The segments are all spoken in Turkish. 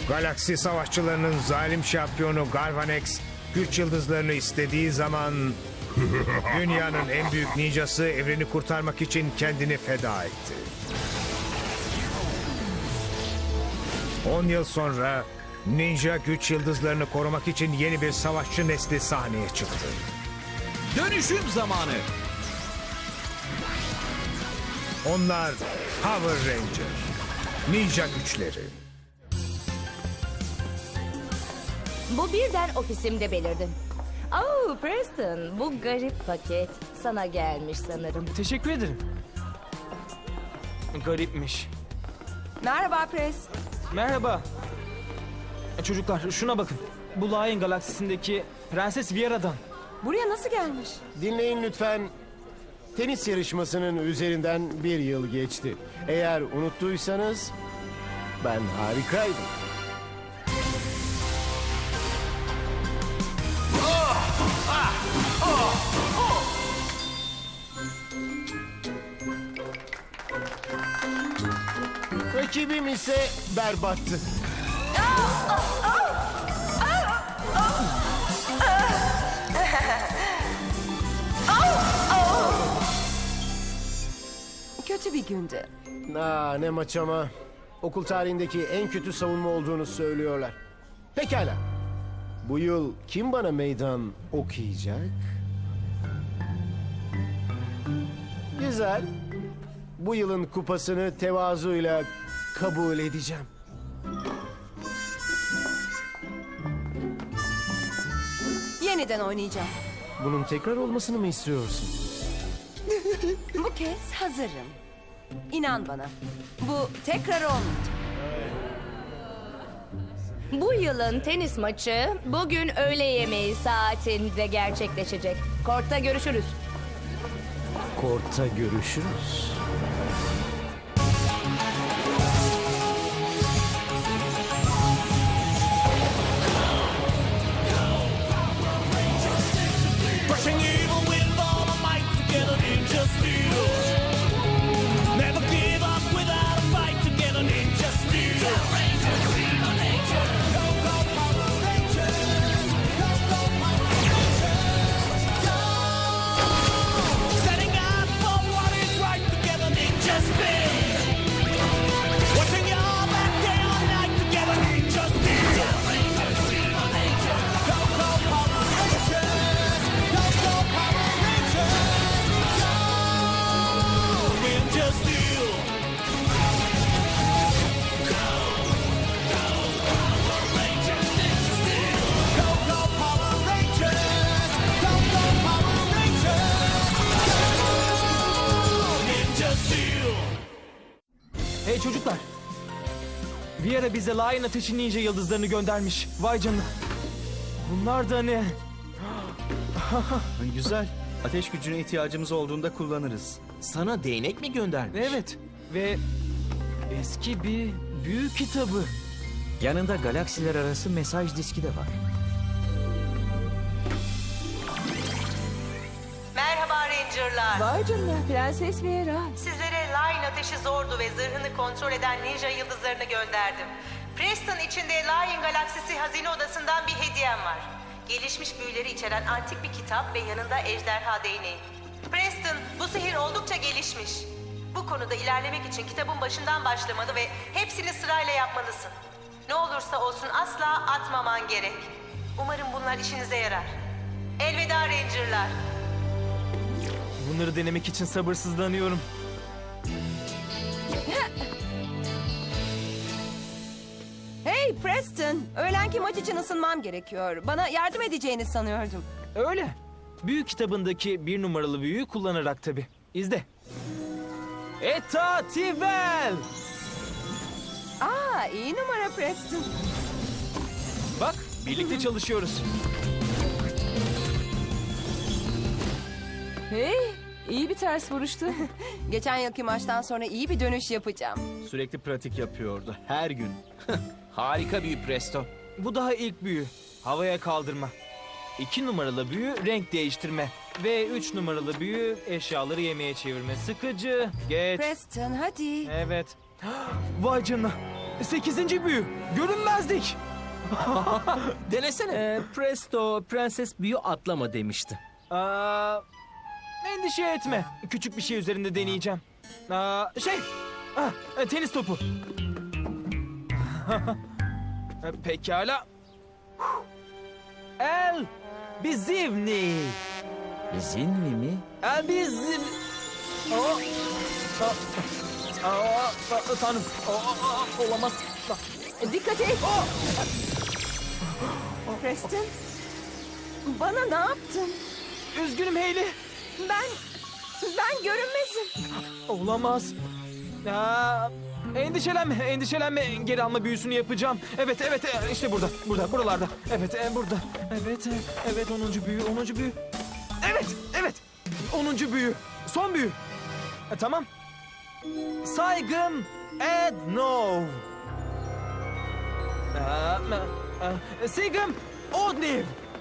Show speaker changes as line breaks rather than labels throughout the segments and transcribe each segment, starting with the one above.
Galaksi savaşçılarının zalim şampiyonu Galvanex güç yıldızlarını istediği zaman dünyanın en büyük ninjası evreni kurtarmak için kendini feda etti. 10 yıl sonra ninja güç yıldızlarını korumak için yeni bir savaşçı nesli sahneye çıktı.
Dönüşüm zamanı.
Onlar Power Ranger, ninja güçleri.
Bu birden ofisimde belirdi. Oh Preston, bu garip paket sana gelmiş sanırım.
Teşekkür ederim. Garipmiş.
Merhaba Pres.
Merhaba. Çocuklar şuna bakın. Bu Lion galaksisindeki Prenses Viera'dan.
Buraya nasıl gelmiş?
Dinleyin lütfen. Tenis yarışmasının üzerinden bir yıl geçti. Eğer unuttuysanız ben harikaydım. Rakibim ise berbattı.
Kötü bir gündü.
Ne maç ama. Okul tarihindeki en kötü savunma olduğunu söylüyorlar. Pekala. Bu yıl kim bana meydan okuyacak? Güzel. Bu yılın kupasını tevazuyla kabul edeceğim.
Yeniden oynayacağım.
Bunun tekrar olmasını mı istiyorsun?
Bu kez hazırım. İnan bana. Bu tekrar olmayacak.
Bu yılın tenis maçı bugün öğle yemeği saatinde gerçekleşecek. Kortta görüşürüz.
Kortta görüşürüz.
Crushing evil with all our might together, ninja steel. Never give up without a fight together, ninja steel. Go, go, Power Rangers. Go, go, Power Rangers. Go. Setting up for what is right together, ninja steel. Watching y'all back day or night together, ninja steel. Go, go, Power Rangers. Go, go, Power Rangers. Go, ninja steel. Go, go, Power Rangers. Go, go, Power Rangers. Go, ninja steel.
Hey çocuklar. Viera bize Lion Ateşi Ninja yıldızlarını göndermiş. Vay canına. Bunlar da ne?
Güzel. Ateş gücüne ihtiyacımız olduğunda kullanırız.
Sana değnek mi göndermiş?
Evet. Ve eski bir büyü kitabı.
Yanında galaksiler arası mesaj diski de var.
Merhaba Ranger'lar.
Vay canına Prenses Vera.
Sizlere Lion ateşi zordu ve zırhını kontrol eden ninja yıldızlarını gönderdim. Preston içinde Lion galaksisi hazine odasından bir hediyem var. Gelişmiş büyüleri içeren antik bir kitap ve yanında ejderha değneği. Preston, bu sihir oldukça gelişmiş. Bu konuda ilerlemek için kitabın başından başlamalı ve hepsini sırayla yapmalısın. Ne olursa olsun asla atmaman gerek. Umarım bunlar işinize yarar. Elveda Ranger'lar.
Bunları denemek için sabırsızlanıyorum.
Hey Preston, öğlenki maç için ısınmam gerekiyor. Bana yardım edeceğini sanıyordum.
Öyle. Büyü kitabındaki bir numaralı büyüyü kullanarak tabii. İzle. Eta Tivel.
İyi numara Preston.
Bak birlikte çalışıyoruz.
Hey, iyi bir ters vuruştu. Geçen yılki maçtan sonra iyi bir dönüş yapacağım.
Sürekli pratik yapıyordu. Her gün.
Harika büyü Presto.
Bu daha ilk büyü. Havaya kaldırma. 2 numaralı büyü renk değiştirme. Ve 3 numaralı büyü eşyaları yemeğe çevirme. Sıkıcı. Geç.
Preston hadi.
Evet. Vay canına. 8. büyü. Görünmezlik.
Denesene. Presto, prenses büyü atlama demişti.
Endişe etme. Küçük bir şey üzerinde deneyeceğim. Tenis topu. Pekala. El bizimni.
Zinvi mi?
El bizim. Tanrım. Olamaz.
Dikkat et. Preston, bana ne yaptın?
Üzgünüm Hayley.
Ben görünmezim.
Olamaz. Endişelenme. Geri alma büyüsünü yapacağım. Evet, işte buralarda. Burada. Evet, 10. büyü. Evet, 10. büyü. Son büyü. Tamam. Saygın Ednov. Sigim Odniv.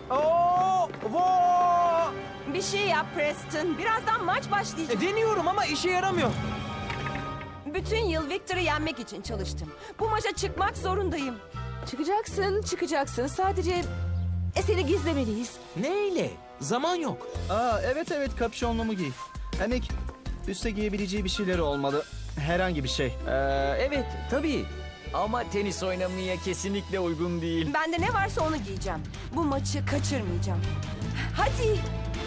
Bir şey yap Preston. Birazdan maç başlayacak.
Deniyorum ama işe yaramıyor.
Bütün yıl Victor'ı yenmek için çalıştım. Bu maça çıkmak zorundayım.
Çıkacaksın. Sadece seni gizlemeliyiz.
Neyle? Zaman yok.
Evet kapşonlumu giy. Hem üste giyebileceği bir şeyleri olmalı. Herhangi bir şey.
Evet, tabii. Ama tenis oynamaya kesinlikle uygun değil.
Bende ne varsa onu giyeceğim. Bu maçı kaçırmayacağım. Hadi.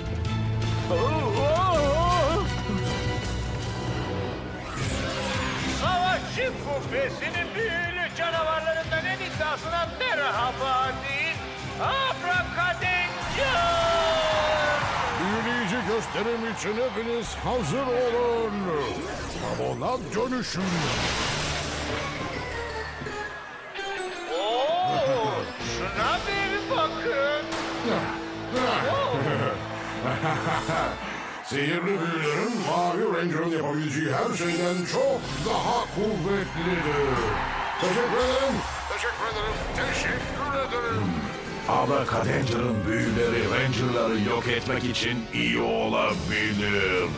Savaşçı kubbesinin büyülü canavarlarından en iddiasına merhaba deyin. Abracadabra!
Büyüleyici gösterim için hepiniz hazır olun. Tamona dönüşün.
Şuna bir bakın.
Sihirli büyülerin Mavi Ranger'ın yapabileceği her şeyden çok daha kuvvetlidir. Teşekkür ederim. Abracadandra'nın büyüleri Ranger'ları yok etmek için iyi olabilir.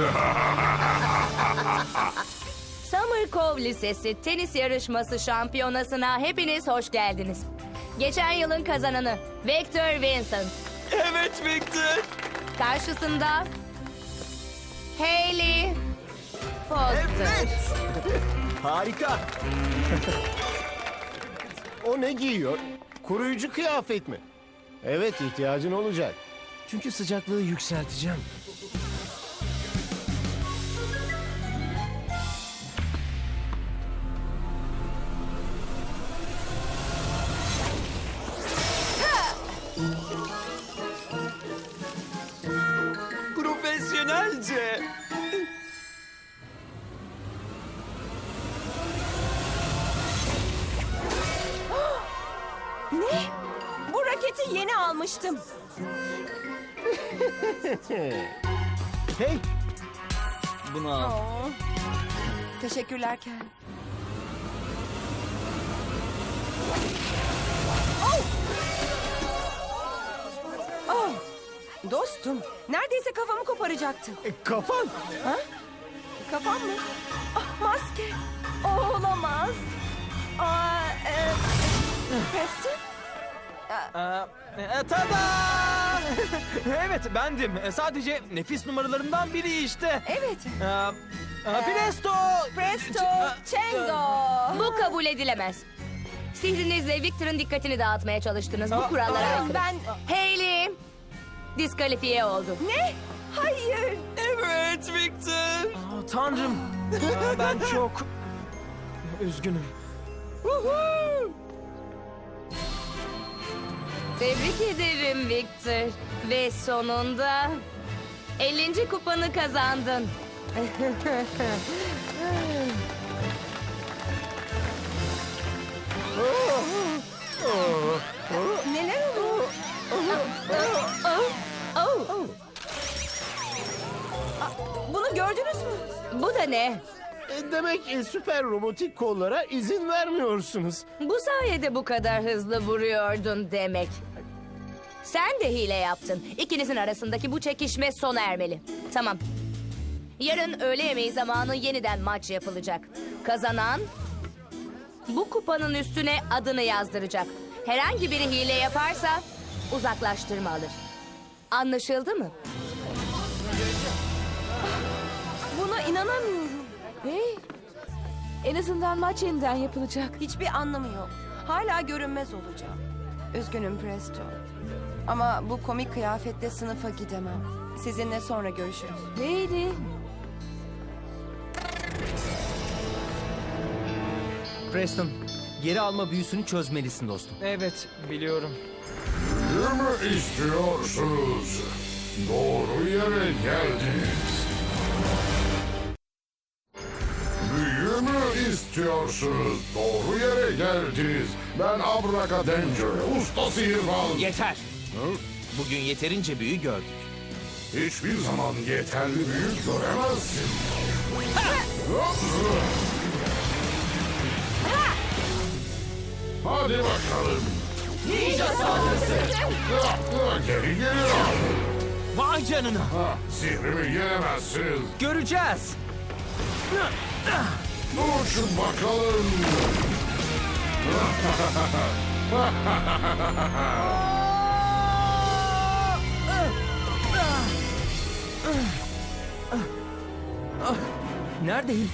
Summer Cove Lisesi tenis yarışması şampiyonasına hepiniz hoş geldiniz. Geçen yılın kazananı Victor Vincent.
Evet Victor.
Karşısında Hayley Foster.
Harika.
O ne giyiyor? Koruyucu kıyafet mi? Evet, ihtiyacın olacak.
Çünkü sıcaklığı yükselteceğim.
Profesyonelce.
Ne? Bu raketi yeni almıştım.
Hey! Bunu al.
Oo. Teşekkürler Ken. Oh! Dostum, neredeyse kafamı koparacaktı.
Kafan.
Ha? Kafam mı? Ah, maske. Olamaz. Preston?
Tada! Evet bendim. Sadece nefis numaralarımdan biri işte.
Evet.
Presto!
Presto, Chengo.
Bu kabul edilemez. Sihrinizle Victor'ın dikkatini dağıtmaya çalıştınız. Bu kurallara aykırı.
Ben...
Hayley diskalifiye oldu.
Ne? Hayır.
Evet Victor. Tanrım. Ben çok üzgünüm.
Tebrik ederim Victor. Ve sonunda 50. kupanı kazandın.
Neler oluyor? Bunu gördünüz mü?
Bu da ne?
Demek süper robotik kollara izin vermiyorsunuz.
Bu sayede bu kadar hızlı vuruyordun demek. Sen de hile yaptın. İkinizin arasındaki bu çekişme sona ermeli. Tamam. Yarın öğle yemeği zamanı yeniden maç yapılacak. Kazanan bu kupanın üstüne adını yazdıracak. Herhangi biri hile yaparsa uzaklaştırma alır. Anlaşıldı mı?
Buna inanamıyorum.
Hey, en azından maç yeniden yapılacak.
Hiçbir anlamı yok. Hala görünmez olacağım. Üzgünüm Presto. Ama bu komik kıyafetle sınıfa gidemem. Sizinle sonra görüşürüz.
Hayley,
Preston, geri alma büyüsünü çözmelisin dostum.
Evet, biliyorum.
Büyü mü istiyorsunuz? Doğru yere geldiniz. Büyü mü istiyorsunuz? Doğru yere geldiniz. Ben Abracadabra, usta sihirbaz.
Yeter. Bugün yeterince büyü gördük.
Hiçbir zaman yeterli büyü göremezsin. Hadi bakalım.
Ninja saldırısı.
Geri geliyor.
Vay canına.
Sihrimi yenemezsiniz.
Göreceğiz.
Uçun bakalım.
Neredeyim?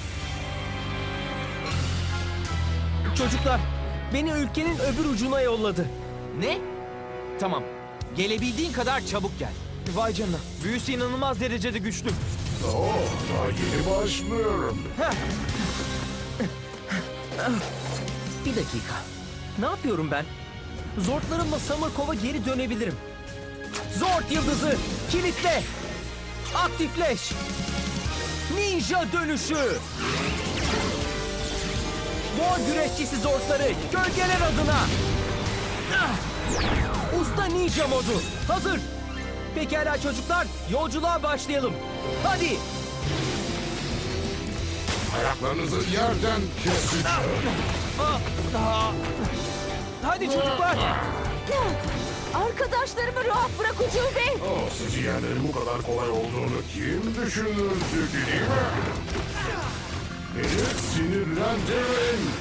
Çocuklar, beni ülkenin öbür ucuna yolladı. Ne? Tamam. Gelebildiğin kadar çabuk gel.
Vay canına. Büyüsü inanılmaz derecede güçlü.
Daha yeni başlıyorum.
Bir dakika. Ne yapıyorum ben? Zortlarımla Summercove'a geri dönebilirim. Zort yıldızı kilitle. Aktifleş. Ninja dönüşü. Boğa güreşçisi Zortları gölgeler adına. Usta ninja modu hazır. Pekala çocuklar, yolculuğa başlayalım. Hadi.
Ayaklarınızı yerden kesin.
Hadi çocuklar.
arkadaşlarımı rahat bırak Ucube.
Sizi yenmenin bu kadar kolay olduğunu kim düşünürdü değil mi? Beni sinirlendirin.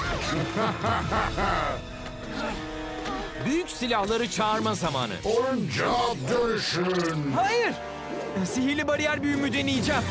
Büyük silahları çağırma zamanı.
Oyuncağa dönüşün.
Hayır. Sihirli bariyer büyümü deneyeceğim.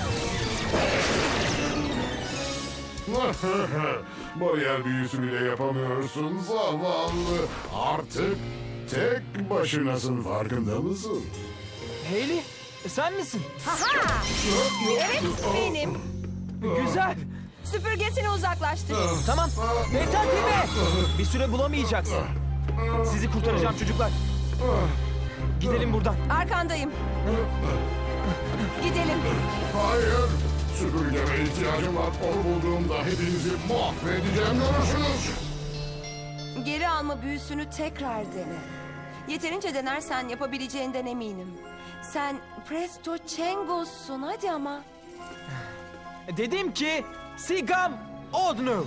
Bariyer büyüsü bile yapamıyorsun zavallı. Artık tek başınasın, farkında mısın?
Hayley, sen misin?
Haha! Evet, benim.
Güzel.
Süpürgesini uzaklaştır.
Tamam. Mental TV. Bir süre bulamayacaksın. Sizi kurtaracağım çocuklar. Gidelim buradan.
Arkandayım. Gidelim.
Hayır. Süpürgeme ihtiyacım var. Onu bulduğumda hepinizi mahvedeceğim, görürsünüz.
Geri alma büyüsünü tekrar dene. Yeterince denersen yapabileceğinden eminim. Sen Presto Changos'sun, hadi ama.
Dedim ki Sigam Odnu.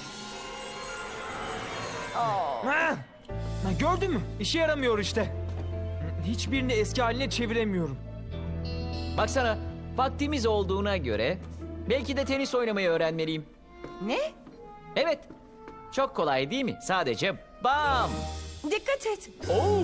Ha, gördün mü? İşe yaramıyor işte. Hiçbirini eski haline çeviremiyorum.
Baksana, vaktimiz olduğuna göre belki de tenis oynamayı öğrenmeliyim.
Ne?
Evet, çok kolay değil mi? Sadece bam!
Dikkat et.
Oo!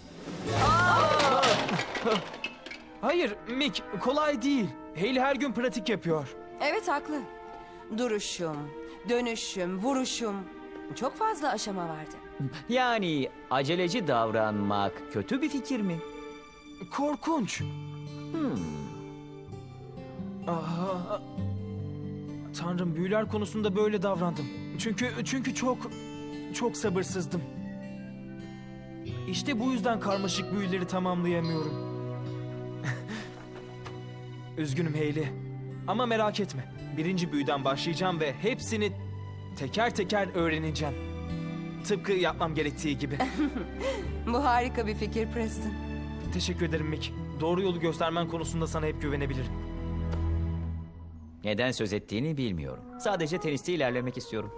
Hayır Mick, kolay değil. Hayley her gün pratik yapıyor.
Evet, haklı. Duruşum, dönüşüm, vuruşum. Çok fazla aşama vardı.
Yani aceleci davranmak kötü bir fikir mi?
Korkunç. Aha. Tanrım, büyüler konusunda böyle davrandım. Çünkü çok sabırsızdım. İşte bu yüzden karmaşık büyüleri tamamlayamıyorum. Üzgünüm Hayley. Ama merak etme. Birinci büyüden başlayacağım ve hepsini teker teker öğreneceğim. Tıpkı yapmam gerektiği gibi.
Bu harika bir fikir Preston.
Teşekkür ederim Mick. Doğru yolu göstermen konusunda sana hep güvenebilirim.
Neden söz ettiğini bilmiyorum. Sadece teniste ilerlemek istiyorum.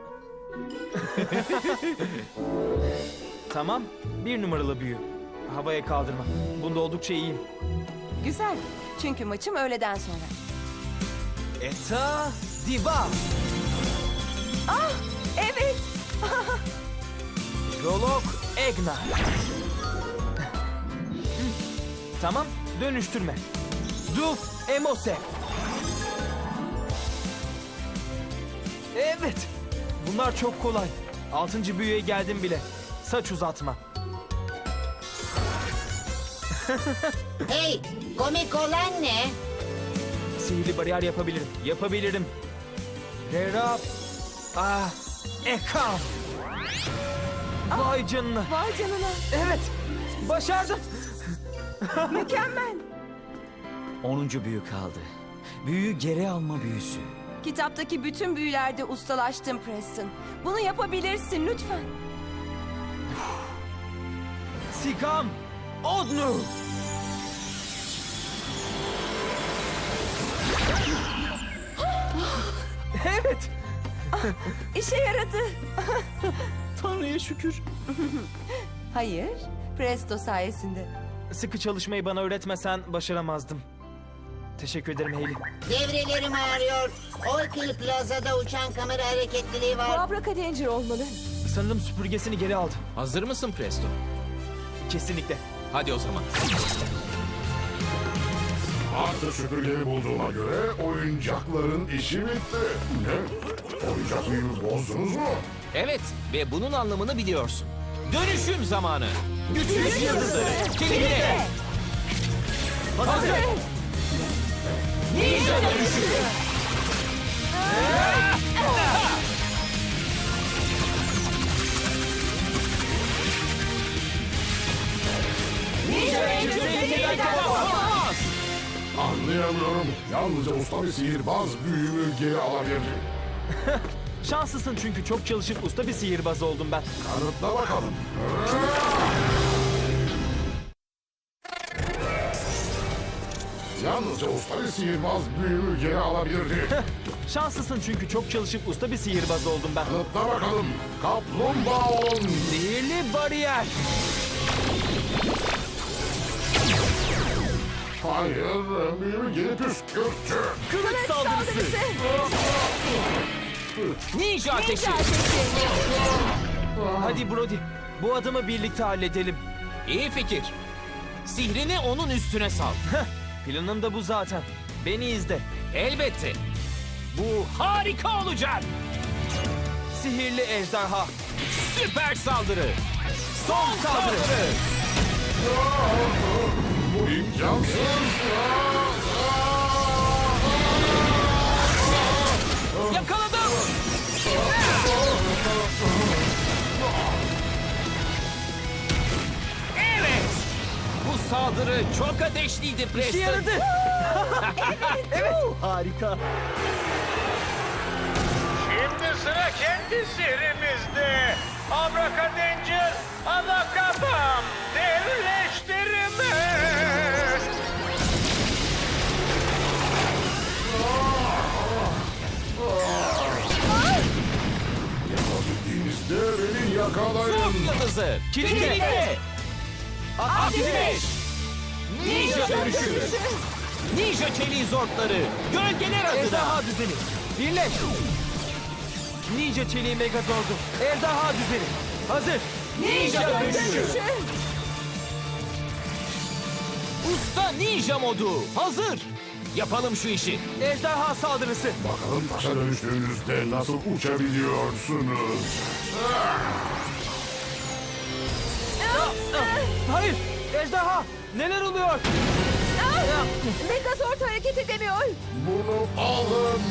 Tamam. 1 numaralı büyü. Havaya kaldırma. Bunda oldukça iyiyim.
Güzel. Çünkü maçım öğleden sonra.
Eta Diva.
Ah, evet.
Rolok Egna. Tamam, dönüştürme. Duf Emose. Evet, bunlar çok kolay. 6. büyüye geldim bile. Saç uzatma.
Hey, komik olan ne?
Sihirli bariyer yapabilirim. Yapabilirim. Rerap. Ekam. Vay canına.
Vay canına.
Evet. Başardım.
Mükemmel.
10. büyü kaldı. Büyüyü geri alma büyüsü.
Kitaptaki bütün büyülerde ustalaştın Preston. Bunu yapabilirsin lütfen.
Sikam. Odnu. Evet.
İşe yaradı.
Tanrı'ya şükür.
Hayır, Presto sayesinde.
Sıkı çalışmayı bana öğretmesen başaramazdım. Teşekkür ederim Hayley.
Devrelerim ağrıyor. Orkil Plaza'da uçan kamera hareketliliği
Bu
var.
Abracadanger olmalı.
Sanırım süpürgesini geri aldı.
Hazır mısın Presto?
Kesinlikle.
Hadi o zaman.
Artık süpürgeyi bulduğuma göre oyuncakların işi bitti. Ne? Oyuncak büyümü bozdunuz mu?
Evet ve bunun anlamını biliyorsun. Dönüşüm zamanı. Güçlü yıldızları. Kilide. Hazır. Ninja dönüşü.
Anlayamıyorum. Yalnızca usta bir sihirbaz büyümü geri alabilir.
Şanslısın çünkü çok çalışıp usta bir sihirbaz oldum ben.
Kanıtla bakalım. Yalnızca usta bir sihirbaz büyümü geri alabilirdi.
Şanslısın çünkü çok çalışıp usta bir sihirbaz oldum ben.
Kanıtla bakalım. Kaplumbağa olun.
Sihirli bariyer.
Hayır, büyümü geri püskürttü.
Kılıç saldırısı.
Ninja ateşi.
Hadi Brody. Bu adımı birlikte halledelim.
İyi fikir. Sihrini onun üstüne sal.
Planım da bu zaten. Beni izle.
Elbette. Bu harika olacak.
Sihirli ejderha.
Süper saldırı. Son saldırı.
Bu imkansız.
Yakaladım. Evet. Bu saldırı çok ateşliydi Preston.
İşe yaradı. Evet. Harika.
Şimdi sıra kendi sihrimizde. Abracadanger, Alakabam, devleştirme.
Yapabildiğinizde beni yakalayın.
Son yıldızı. Kilitli. Ateş. Ninja dönüşü. Ninja çeliği zortları. Gölgeler adına.
Ejderha düzeni. Birleş. Ninja çeliği megazordu. Ejderha düzeni. Hazır.
Ninja dönüşü. Usta ninja modu. Hazır. Yapalım şu işi.
Ejderha saldırısı.
Bakalım taşa dönüştüğünüzde nasıl uçabiliyorsunuz?
Hayır. Ejderha. Neler oluyor?
Megazord hareket edemiyor.
Bunu alın.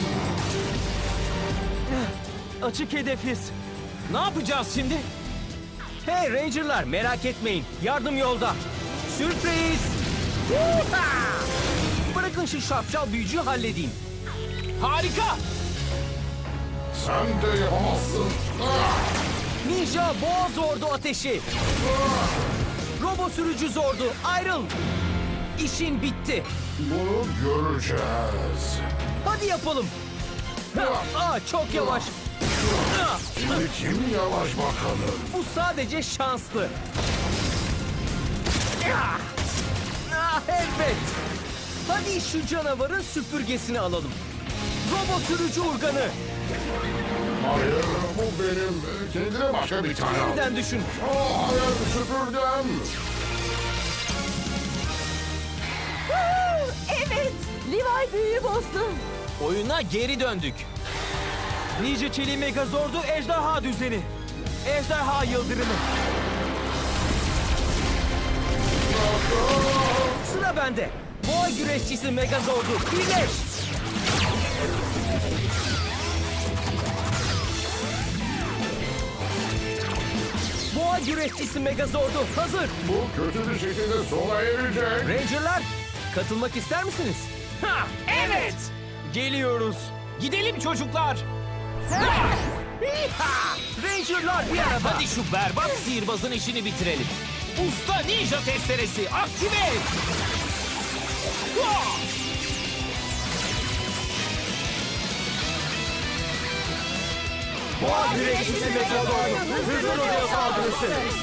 Açık hedefiz.
Ne yapacağız şimdi?
Hey Ranger'lar merak etmeyin. Yardım yolda. Sürpriz. Huha! Bırakın şu şapşal büyücüyü halledeyim.
Harika.
Sen de yapamazsın.
Ninja boğa zordu ateşi. Robo sürücü zordu. Ayrıl. İşin bitti.
Bunu göreceğiz.
Hadi yapalım. Çok yavaş.
Şimdi kim yavaş bakalım?
Bu sadece şanslı. Evet. Hadi şu canavarın süpürgesini alalım. Robo sürücü urganı.
Hayır, bu benim. Kendine başka bir tane al.
Yeniden düşün.
Hayır, süpürgem.
Evet. Levi büyüyü bozdu.
Oyuna geri döndük.
Ninja Çeliği Megazord'u ejderha düzeni. Ejderha yıldırımı.
Sıra bende. Boğa güreşçisi Megazord'u birleş. Boğa güreşçisi Megazord'u hazır.
Bu kötü bir şekilde sona erecek.
Ranger'lar katılmak ister misiniz?
Ha, evet. Geliyoruz. Gidelim çocuklar.
Ranger'lar bir araba.
Hadi şu berbat sihirbazın işini bitirelim. Usta ninja testeresi aktive et.
Boğa güreşçisi Megazord'u hızlı rodeo saldırısı.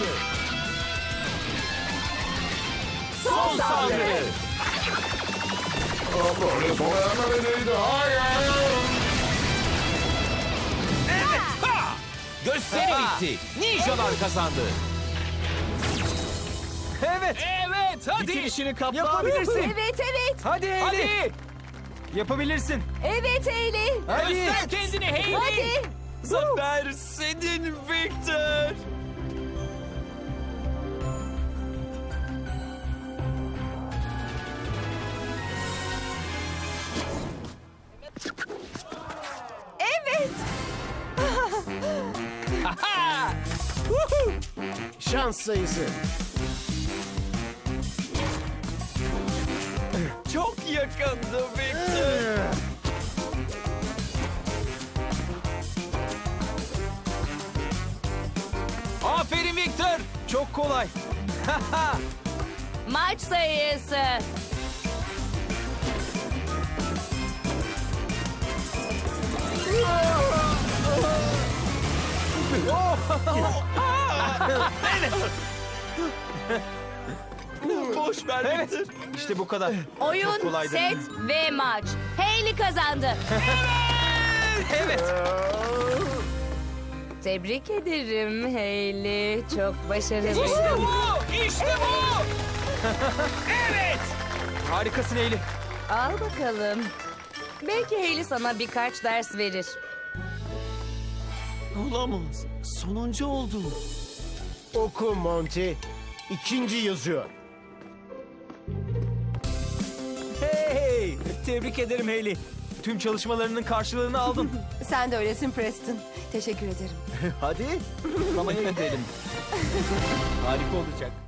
Son saldırı.
Böyle sona ermemeliydi. Hayır.
Ha! Gösteri bitti. Ninjalar kazandı.
Evet.
Evet hadi.
Bitirişini kapla.
Yapabilirsin.
Evet evet.
Hadi Hayley.
Hadi.
Yapabilirsin.
Evet Hayley.
Hadi.
Göster kendini Hayley.
Hadi.
Zafer senin Victor.
Evet.
Şans sayısı.
Çok yakındı Victor. Aferin Victor.
Çok kolay.
Maç sayısı.
Boş ver
Evet. İşte bu kadar. Çok
Oyun,
kolaydı.
set ve maç. Hayley kazandı.
Evet.
Tebrik ederim Hayley. Çok başarılı.
İşte bu. İşte bu. Evet.
Harikasın Hayley.
Al bakalım. Belki Hayley sana birkaç ders verir.
Olamaz. Sonuncu oldum.
Oku Monty. İkinci yazıyor.
Hey! Tebrik ederim Hayley.
Tüm çalışmalarının karşılığını aldın.
Sen de öylesin Preston. Teşekkür ederim.
Hadi kutlamaya gidelim. Harika olacak.